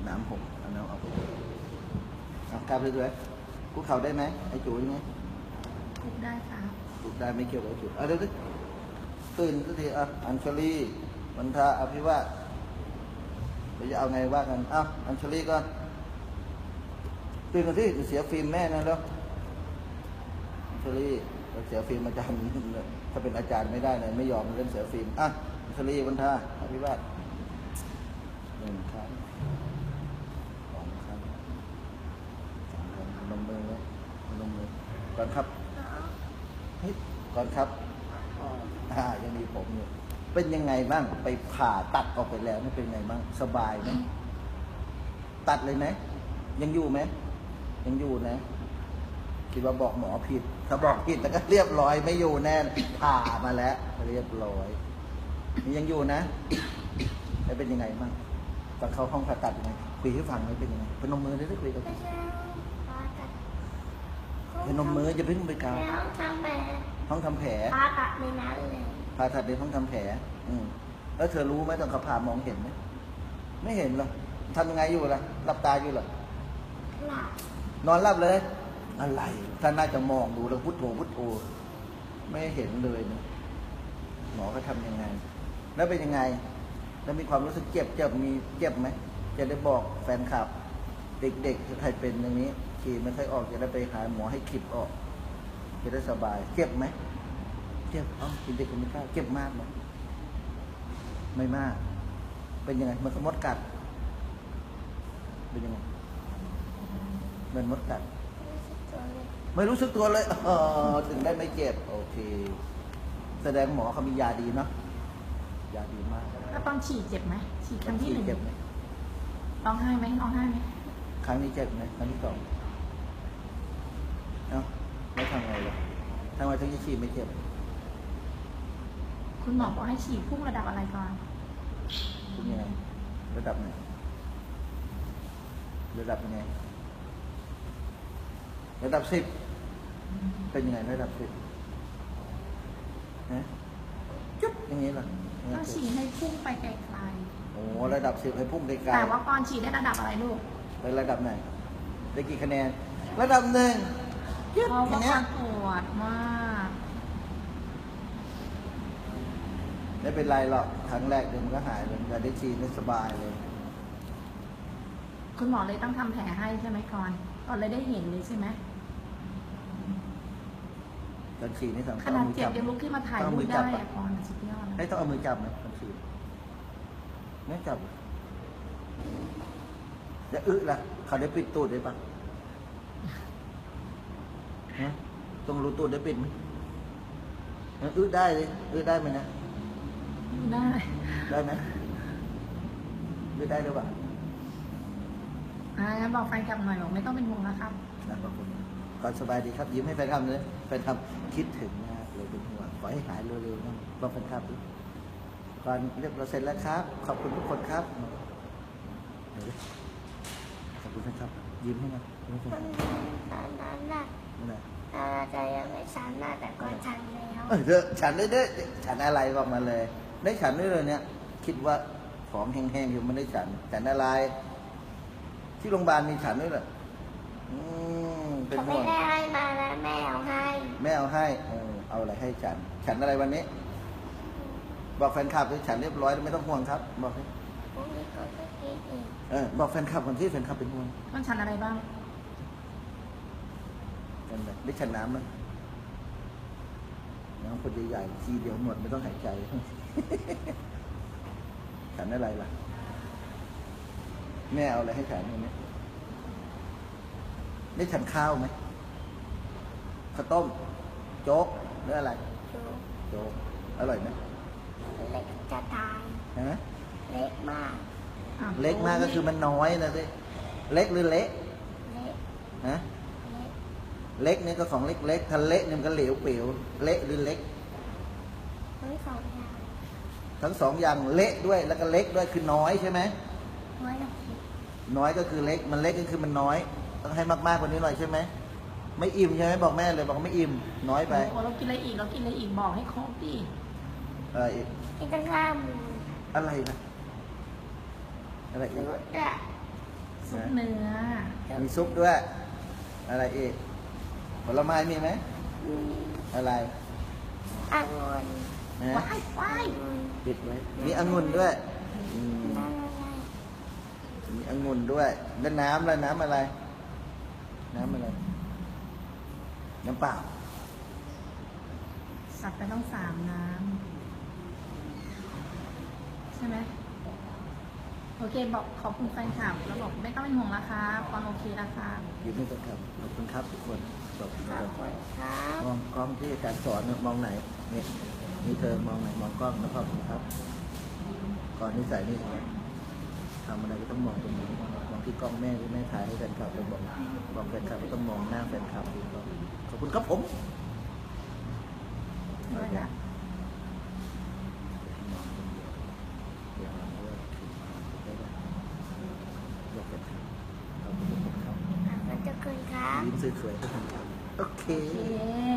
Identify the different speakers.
Speaker 1: น้ำหกเอาน้ำออกไปเอากลับเลยด้วยคุกเข่าได้ไหมไอ้จุ๋ยไง
Speaker 2: ถูกได้ครับ
Speaker 1: ถูกได้ไม่เกี่ยวกับไอ้จุ๋ยเอาเดี๋ยวตื่นสักทีอัญชลีวันทาอภิวาสเราจะเอาไงว่ากันอัญชลีก่อนตื่นกันที่เสียฟิล์มแม่นะแล้วอัญชลีเราเสียฟิล์มอาจารย์ถ้าเป็นอาจารย์ไม่ได้เลยไม่ยอมเล่นเสียฟิล์มอัญชลีวันทาอภิวาส1 ครั้ง 2 ครั้ง 3 ครั้งลงมือไว้ลงมือก่อนครับเฮ้ยก่อนครับยังมีผมอยู่เป็นยังไงบ้างไปผ่าตัดออกไปแล้วนี่เป็นไงบ้างสบายไหมตัดเลยไหมยังอยู่ไหมยังอยู่นะคิดว่าบอกหมอผิดถ้าบอกผิดแต่ก็เรียบร้อยไม่อยู่แน่ผ่ามาแล้วเรียบร้อยนี่ยังอยู่นะแล้วเป็นยังไงบ้างตอนเข้าห้องผ่าตัดยังไงคุยให้ฟังไหมเป็นยังไงพนมมือได้คุยกับพนมมือจะเพิ่งไปกาวห้องทำแผล
Speaker 3: ผ่าตัดในนั้นเลย
Speaker 1: ผ่าตัดในห้องทำแผลแล้วเธอรู้ไหมตอนเขาผ่ามองเห็นไหมไม่เห็นหรอกทำยังไงอยู่ล่ะหลับตาอยู่หรอ
Speaker 3: หลับ
Speaker 1: นอนหลับเลยอะไรท่านน่าจะมองดูแล้วพุทโธพุทโธไม่เห็นเลยนะหมอก็ทำยังไง แล้วเป็นยังไงแล้วมีความรู้สึกเจ็บมีเจ็บไหมจะได้บอกแฟนคลับ เด็กๆใครเป็นอย่างนี้ขี่ไม่ค่อยออกจะได้ไปหาหมอให้ขีดออกจะได้สบายเจ็บไหมเจ็บเด็กคนไม่กล้าเจ็บมากไหมไม่มาก เป็นยังไงมันก็มดกัดเป็นยังไงเหมือนมดกัดไม่รู้สึกตัวเลยถึงได้ไม่เจ็บโอเคแสดงหมอเขามียาดีเนาะยาดีมาก
Speaker 2: แล้วตอนฉีดเจ็บไหมฉีดครั้งที่ 1
Speaker 1: เจ็บไหม
Speaker 2: ร้องไห้ไหมร้องไห้ไหม
Speaker 1: ครั้งนี้เจ็บไหมครั้งที่ 2ไม่ทำไงเลยทำไมถึงจะฉีดไม่เจ็บ
Speaker 2: คุณหมอบอกให้ฉีดพุ่งระดับอะไรก่อน
Speaker 1: เป็นยังไงระดับไหนระดับยังไงระดับ10เป็นยังไงระดับ10นะจุ๊บอย่างนี้เหรอ
Speaker 2: ต้องฉีดให้พุ่งไปไกล
Speaker 1: โอ้ระดับ10ให้พุ่งไก
Speaker 2: ๆ
Speaker 1: ล
Speaker 2: แต่ว่าก่อนฉีดได้ระดับอะไรลูก
Speaker 1: ๆไประดับไหนได้กี่คะแนนระดับ1ยึด
Speaker 2: เพราะ
Speaker 1: อย่า
Speaker 2: ว่าง
Speaker 1: เงี้ย
Speaker 2: ปวดมาก
Speaker 1: ไม่เป็นไรหรอกครั้งแรกเดี๋ยวมันก็หายเลยจะได้ฉีดได้สบายเลย
Speaker 2: คุณหมอเลยต้องทำแผลให้ใช่ไหมก่อนเลยได้เห็นเลยใช่ไหม
Speaker 1: ตอนฉีดนี่สำคัญ
Speaker 2: ขนาดเจ็บยังลุกขึ้นมาถ่ายรูปได้อะก่อนสุดยอด
Speaker 1: ให้ต้องเอามือจับนะตอนฉีดไม่จับจะล่ะเขาได้ปิดตูดได้ปะต้องรู้ตูดได้ปิดไหมได้เลยได้ไหมนะ
Speaker 2: ได้
Speaker 1: ได้ไหมได้หรือเปล่า
Speaker 2: งั้นบอกแฟนคลับหน่อยบอกไม่ต้องเป็นห่วงนะครับ
Speaker 1: ขอบคุณก่อนสบายดีครับยิ้มให้แฟนคลับเลยแฟนคลับคิดถึงมากเลยเป็นห่วงขอให้หายเร็วๆนะบอกแฟนคลับดิก่อนเรียบร้อยเสร็จแล้วครับขอบคุณทุกคนครับขอบคุณแฟนคลับยิ้มให้นะยิ้มให้แฟนคลับ
Speaker 3: ตอนนั้นน่ะ
Speaker 1: นั่นแหละ
Speaker 3: จะยังไม่ชันน่ะแต่ก็ชันแล้ว
Speaker 1: ฉันได้ฉันอะไรบอกมาเลย ได้ฉันด้วยเลยเนี่ย คิดว่าของแห้งๆอยู่ไม่ได้ฉันอะไร ที่โรงพยาบาลมีฉันด้วยเหรอเป็น
Speaker 3: เขา
Speaker 1: ห่
Speaker 3: ไม่
Speaker 1: วง
Speaker 3: ได้ให้มาแล้วแม่เอาให้
Speaker 1: แม่เอาให้เอาอะไรให้ฉันอะไรวันนี้ บอกแฟนคลับด้วยฉันเรียบร้อยไม่ต้องห่วงครับ บอกให้
Speaker 3: พรุ่งนี้ก็จะกินอีก
Speaker 1: บอกแฟนคลับคนที่แฟนคลับเป็นห่วง
Speaker 2: ต้องชันอะไรบ้าง
Speaker 1: กันเลยได้ฉันน้ำไหมน้ำคนใหญ่ๆทีเดียวหมดไม่ต้องหายใจ ฉันอะไรล่ะแม่เอาอะไรให้ฉันวันนี้ได้ฉันข้าวไหมข้าวต้ม โจ๊กหรืออะไร
Speaker 3: ดู
Speaker 1: โจ๊กอร่อยไหม
Speaker 3: เล็กจะตาย
Speaker 1: ฮะ
Speaker 3: เล็กมาก
Speaker 1: เล็กมากก็คือมันน้อยนะสิเล็กหรือเละ
Speaker 3: เล็ก
Speaker 1: ฮะ
Speaker 3: เล็ก
Speaker 1: เล็กนี่ก็ของเล็กๆถ้าเละนี่มันก็เหลวเปลวเละหรือเล็ก
Speaker 3: ทั้งสองอย่าง
Speaker 1: ทั้ง2อย่างเละด้วยแล้วก็เล็กด้วยคือน้อยใช่ไหม
Speaker 3: น้อยหน่อย
Speaker 1: น้อยก็คือเล็กมันเล็กก็คือมันน้อยต้องให้มากๆกว่านี้หน่อยใช่ไหมไม่อิ่มใช่ไหมบอกแม่เลยบอกไม่อิ่มน้อยไป
Speaker 2: โอ้เรากินอะไรอีกบอกให้ครบดิ
Speaker 1: อีก
Speaker 3: ที่ตั้งข้าม
Speaker 1: อะไรนะอะไรอีก
Speaker 3: นุชอะ
Speaker 2: ซุปเนื้อ
Speaker 1: มีซุปด้วย อะไรอีก ผลไม้มีไหม
Speaker 3: มี
Speaker 1: อะไร
Speaker 3: องุ่น
Speaker 1: นะ
Speaker 2: ว้ายว้าย
Speaker 1: ปิดไว้ มีองุ่นด้วยอืม
Speaker 3: น้ำอะไร
Speaker 1: มีองุ่นด้วยแล้วน้ำแล้วน้ำอะไร น้ำอะไร น้ำเปล่า
Speaker 2: สับไปต้อง3 น้ำใช่ไหมโอเคบอกขอบคุณแฟนคลับแล้วบอกไม่ต้องเป็นห่วงนะคะปอนโอเคนะคะ
Speaker 1: อยู่นี่ก่อนครับขอบคุณครับทุกคนขอบคุณ
Speaker 3: ข
Speaker 1: ค
Speaker 3: อ
Speaker 1: รั
Speaker 3: บบ คุณครับ
Speaker 1: มองกล้องที่อาจารย์สอนนะมองไหนนี่นี่เธอมองไหนมองกล้องแล้วขอบคุณครับ ก่อนนิสัยนี่ทำอะไรก็ต้องมองตรงนี้มองที่กล้องแม่ที่แม่ถ่ายให้แฟนคลับแล้วบอกแฟนคลับก็ต้องมองหน้าแฟนคลับขอบคุณครับผม
Speaker 2: ด้วยนะ
Speaker 1: บอกแฟนคลับขอบคุณครับ
Speaker 3: ขอบคุณครับ
Speaker 1: ยิ้มสวยๆให้แฟนคลับโอเค
Speaker 2: โอเค